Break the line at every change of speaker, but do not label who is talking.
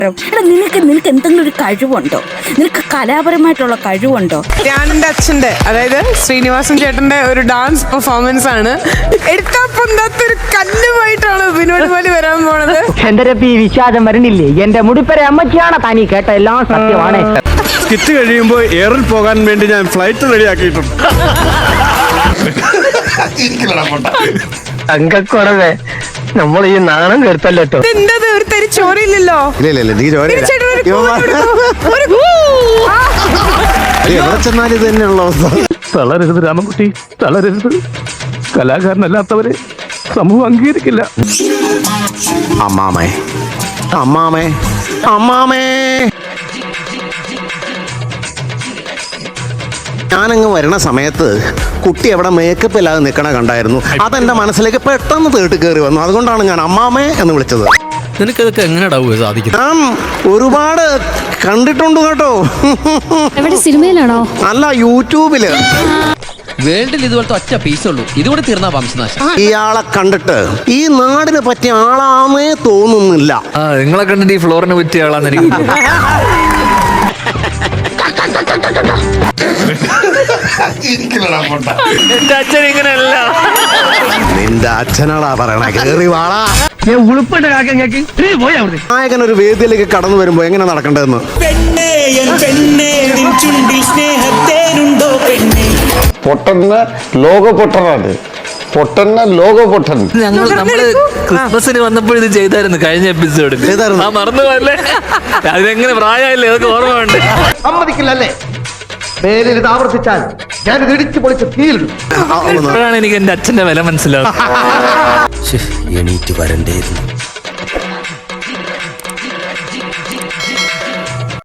എടാ നിനക്ക് എന്തെങ്കിലും ഒരു കഴിവുണ്ടോ? നിനക്ക് കലാപരമായിട്ടുള്ള കഴിവുണ്ടോ?
ഞാനെന്റെ അച്ഛന്റെ, അതായത് ശ്രീനിവാസൻ ചേട്ടന്റെ ഒരു ഡാൻസ് പെർഫോമൻസ് ആണ്. എടുത്താ പൊന്താത്തൊരു കല്ലുമായിട്ടാണ് വിനോദ് പോലെ വരാൻ പോണത്.
എന്റെ രപ്പി വിശ്വാസം വരണില്ലേ? എന്റെ മുടിപ്പര അമ്മച്ചിയാണ് താനീ കേട്ട എല്ലാം സത്യമാണ്.
സ്കിറ്റ് കഴിയുമ്പോൾ എയറിൽ പോകാൻ വേണ്ടി ഞാൻ ഫ്ലൈറ്റ് റെഡിയാക്കിയിട്ടുണ്ട്.
തങ്കക്കുറവേ, നമ്മൾ ഈ നാണം കേട്ടല്ലോ.
എന്തത് ഒരു തരി ചോരയില്ലല്ലോ.
തളരരുത് രാമൻകുട്ടി, തളരരുത്. കലാകാരനല്ലാത്തവരെ സമൂഹം അംഗീകരിക്കില്ല.
അമ്മാമേ അമ്മാമേ അമ്മാമേ, ഞാനങ്ങ് വരണ സമയത്ത് കുട്ടി അവിടെ മേക്കപ്പ് ഇല്ലാതെ നിൽക്കണ കണ്ടായിരുന്നു. അതെന്റെ മനസ്സിലേക്ക് പെട്ടെന്ന് തേട്ട് കയറി വന്നു. അതുകൊണ്ടാണ് ഞാൻ അമ്മാമേ എന്ന് വിളിച്ചത്.
നിനക്കതൊക്കെ എങ്ങനെയാ സാധിക്കും?
ഞാൻ ഒരുപാട് കണ്ടിട്ടുണ്ട് കേട്ടോ.
എവിടെ, സിനിമയിലാണോ?
അല്ല, യൂട്യൂബില്.
വേൾഡിൽ ഇതുപോലത്തെ ഒറ്റ പീസേ ഉള്ളൂ. ഇതുകൂടെ തീർന്നാ വംശനാശം.
ഇയാളെ കണ്ടിട്ട് ഈ നാടിന് പറ്റിയ ആളാന്നേ തോന്നുന്നില്ല.
നിങ്ങളെ കണ്ടിട്ട് ഈ ഫ്ലോറിന് പറ്റിയ ആളാന്ന് എനിക്ക് എന്റെ അച്ഛൻ ഇങ്ങനെയല്ല.
നിന്റെ അച്ഛനാടാ പറയണ. കേറി വാളാ. നായകൻ ഒരു വേദിയിലേക്ക് കടന്നു വരുമ്പോ എങ്ങനെ നടക്കേണ്ടതെന്ന്.
പൊട്ടന്ന ലോക പൊട്ടനാണ്. പൊട്ടന്ന ലോക പൊട്ടൻ.
നമ്മള് ക്രിസ്മസിന് വന്നപ്പോൾ ഇത് ചെയ്തായിരുന്നു കഴിഞ്ഞ എപ്പിസോഡിൽ. മറന്നു പോയല്ലേ? അതിനെങ്ങനെ പ്രായമായില്ലേ? അതൊക്കെ ഓർമ്മ ഉണ്ട്.
സമ്മതിക്കില്ലല്ലേ? മേലിൽ ഇത് ആവർത്തിച്ചാൽ ഞാൻ ഇടിച്ചു പൊളിച്ച് തീയിലിടും.
ഇപ്പോഴാണ് എനിക്ക് എന്റെ അച്ഛന്റെ വില മനസ്സിലാവും.
എണീറ്റ് വരണ്ടേയിരുന്നു.